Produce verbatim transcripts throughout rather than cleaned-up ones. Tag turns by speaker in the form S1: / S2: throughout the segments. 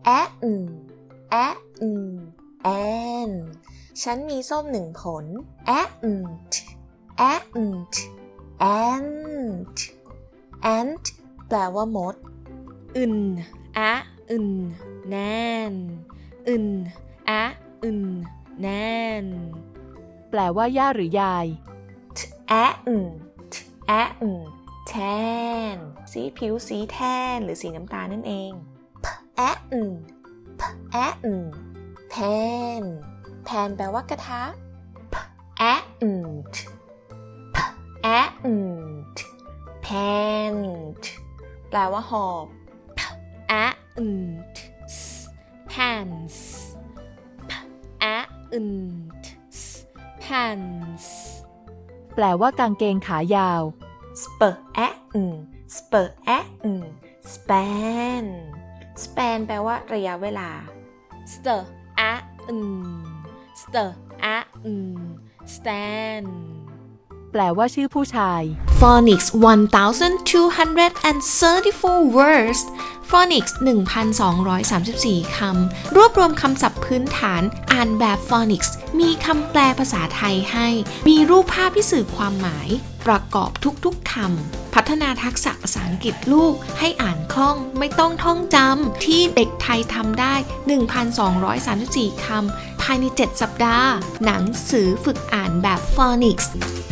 S1: แอะอืมแอะอืมแอนฉันมีส้มหนึ่งผลแอะอืมแอะอืมแอนแอนแปลว่ามด
S2: อึนอะอึนแนนอึนอะอึนแนนแปลว่าย่าหรือยาย
S1: แอะอืมแอะอืมแทนสีผิวสีแทนหรือสีน้ำตาลนั่นเองแอะอืมแอะอืมแพนแพนแปลว่ากระทะแอะอืมแอะอืมแพนแปลว่าหอบ
S2: อะอึน pants อะอึน pants แปลว่ากางเกงขายาว
S1: spur แอะอืม spur แอะอืม span span แปลว่าระยะเวลา
S2: stir อะอึน stir อะอึน stand แปลว่าชื่อผู้ชาย
S1: Phonics one thousand two hundred thirty-four words Phonics หนึ่งพันสองร้อยสามสิบสี่ คำรวบรวมคำศัพท์พื้นฐานอ่านแบบ Phonics มีคำแปลภาษาไทยให้มีรูปภาพที่สื่อความหมายประกอบทุกๆคำพัฒนาทักษะภาษาอังกฤษลูกให้อ่านคล่องไม่ต้องท่องจำที่เด็กไทยทำได้ หนึ่งพันสองร้อยสามสิบสี่ คำภายในเจ็ดสัปดาห์หนังสือฝึกอ่านแบบ Phonics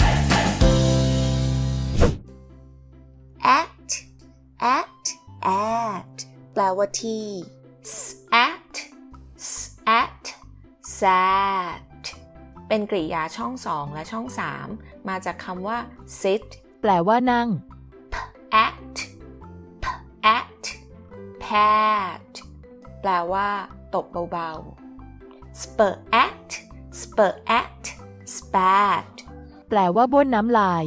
S1: at at at แปลว่าที่ at at sat เป็นกริยาช่องสองและช่องสามมาจากคำว่า sit
S2: แปลว่านั่ง
S1: at at pat แปลว่าตบเบาๆ spur at spur at spat
S2: แปลว่าบ้วนน้ำลาย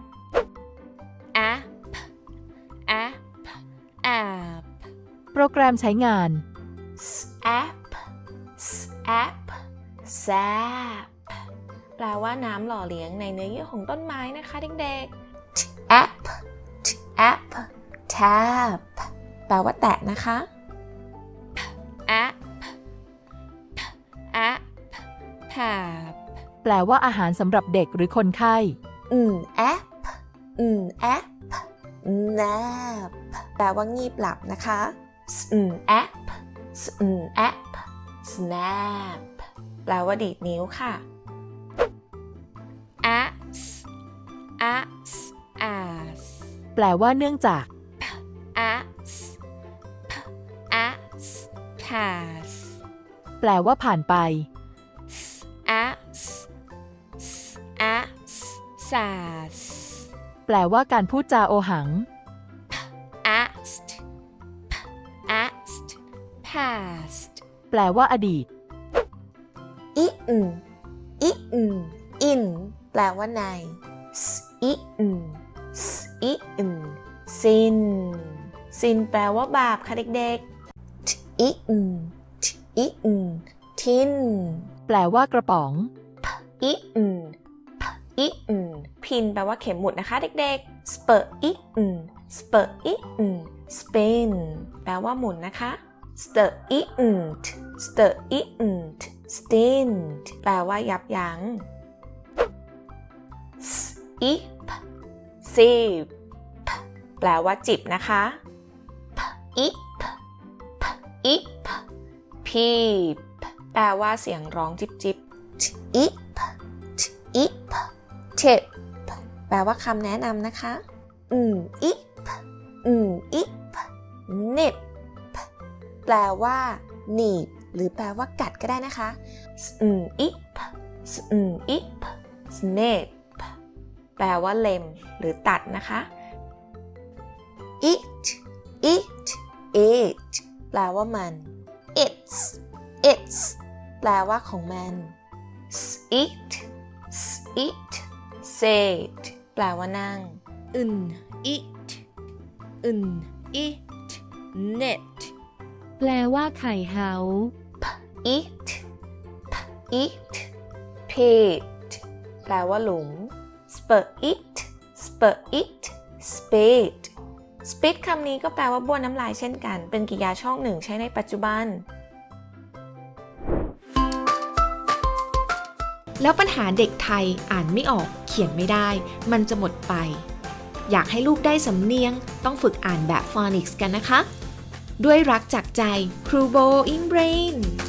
S2: app app app โปรแกรมใช้งาน
S1: sap sap sap แปลว่าน้ำหล่อเลี้ยงในเนื้อเยื่อของต้นไม้นะคะเด็กๆ tap tap tap แปลว่าแตะนะคะ
S2: app app pap แปลว่าอาหารสำหรับเด็กหรือคนไข้
S1: อืม app อืม app nap แปลว่างีบหลับนะคะอืม app อืม app snap แปลว่าดีดนิ้วค่ะ
S2: as as as แปลว่าเนื่องจาก as as pass แปลว่าผ่านไป as as sas แปลว่าการพูดจาโอหัง asked asked past แปลว่าอดีต
S1: อิอืมอิอืม in แปลว่าในอิอืมอิอืม sin sin แปลว่าบาปค่ะเด็กๆอิอืมอิอืม tin
S2: แปลว่ากระป๋อง
S1: อิอืมอิอืม pin แปลว่าเข็มหมุดนะคะเด็กๆ spur อิอืม spur อิอืม spin แปลว่าหมุนนะคะ stir อิอืม stir อิอืม stint แปลว่ายับยั้ง sip sip แปลว่าจิบนะคะ ip ip peep แปลว่าเสียงร้องจิบจิบ ip ip tip แปลว่าคำแนะนำนะคะอืม ip อืม ip nip แปลว่าหนีบหรือแปลว่ากัดก็ได้นะคะอืม ip อืม ip snip แปลว่าเล็มหรือตัดนะคะ it it it แปลว่ามัน its its แปลว่าของมัน sit sit sit แปลว่านั่ง
S2: อึน eat อึน eat knit แปลว่าไข่เฮา
S1: eat eat pit แปลว่าหลุม spur it spur it spade spit คำนี้ก็แปลว่าบ้วนน้ำลายเช่นกัน เป็นกริยาช่องหนึ่งใช้ในปัจจุบัน
S3: แล้วปัญหาเด็กไทยอ่านไม่ออกเขียนไม่ได้ มันจะหมดไป อยากให้ลูกได้สำเนียงต้องฝึกอ่านแบบ Phonics กันนะคะ ด้วยรักจากใจครูโบอิงเบรน